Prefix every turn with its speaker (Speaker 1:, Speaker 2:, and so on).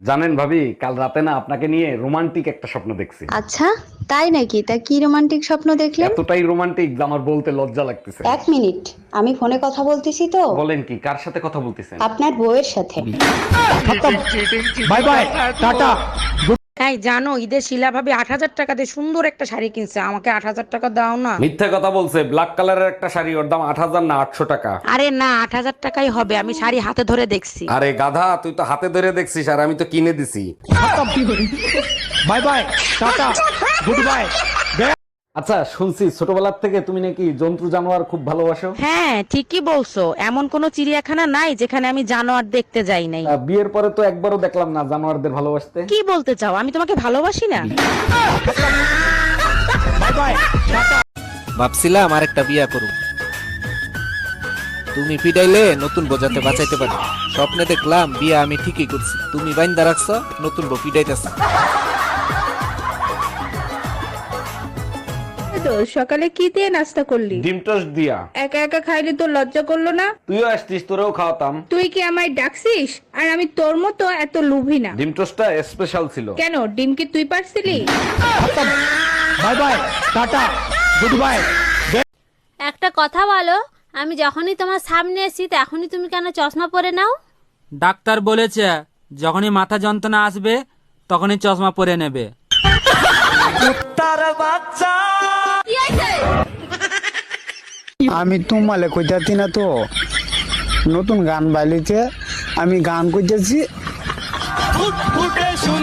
Speaker 1: জানেন ভাবি, কাল রাতে না আপনাকে নিয়ে রোমান্টিক একটা স্বপ্ন দেখছি।
Speaker 2: আচ্ছা, তাই নাকি? তা কি রোমান্টিক স্বপ্ন দেখলেন?
Speaker 1: এতটাই রোমান্টিক যে আমার বলতে লজ্জা লাগতেছে।
Speaker 2: এক মিনিট, আমি ফোনে কথা বলতেছি তো।
Speaker 1: বলেন কি, কার সাথে কথা বলতেছেন?
Speaker 2: আপনার বউয়ের সাথে।
Speaker 3: Bye bye, tata.
Speaker 4: তাই জানো, ঈদের শিলা ভাবি 8,000 টাকা দিয়ে সুন্দর একটা শাড়ি কিনছে, আমাকে 8,000 টাকা দাও না।
Speaker 1: মিথ্যা কথা বলছে। ব্ল্যাক কালারের একটা শাড়ি, ওর দাম 8,000 না 800 টাকা।
Speaker 4: আরে না, 8,000 টাকাই হবে, আমি শাড়ি হাতে ধরে দেখছি।
Speaker 1: আরে গাধা, তুই তো হাতে ধরে দেখছিস আর আমি তো কিনে দিছি।
Speaker 3: Bye bye, tata, goodbye.
Speaker 1: আচ্ছা, শুনছি ছোটবেলার থেকে তুমি নাকি জন্তু জানোয়ার খুব ভালোবাসো।
Speaker 4: হ্যাঁ ঠিকই বলছো, এমন কোন চিড়িয়াখানা নাই যেখানে আমি জানোয়ার দেখতে যাই নাই।
Speaker 1: বিয়ের পরে তো একবারও দেখলাম না জানোয়ারদের ভালোবাসতে।
Speaker 4: কি বলতে চাও, আমি তোমাকে ভালোবাসি না?
Speaker 3: Bye bye, tata.
Speaker 5: ভাবছিলাম আরেকটা বিয়া করুম, তুমি পিটাইলে নতুন বোঝাতে বাঁচাইতে পারি। স্বপ্নে দেখলাম বিয়া আমি ঠিকই করছি, তুমি বাইন্দা রাখছো, নতুন বউ পিটাইতেছ।
Speaker 6: তো সকালে কি দিয়ে নাস্তা করলি?
Speaker 1: ডিম টোস্ট দিয়া।
Speaker 6: একা একা খাইলে তো লজ্জা করলো না?
Speaker 1: তুইও আসতিস, তোরেও খাওয়াতাম।
Speaker 6: তুই কি আমায় ডাকছিস? আর আমি তোর মতো এত লোভী না।
Speaker 1: ডিম টোস্টটা স্পেশাল ছিল।
Speaker 6: কেন, ডিম কি তুই পারছিলি?
Speaker 3: Bye bye, tata, goodbye.
Speaker 7: একটা কথা বলো, আমি যখনই তোমার সামনে এসি তখনই তুমি কেন চশমা পরে নাও?
Speaker 8: ডাক্তার বলেছে যখনই মাথা যন্ত্রণা আসবে তখনই চশমা পরে নেবে।
Speaker 9: আমি তোমালে কইতাছি না তো, নতুন গান বাইলিতে আমি গান কইতেছি।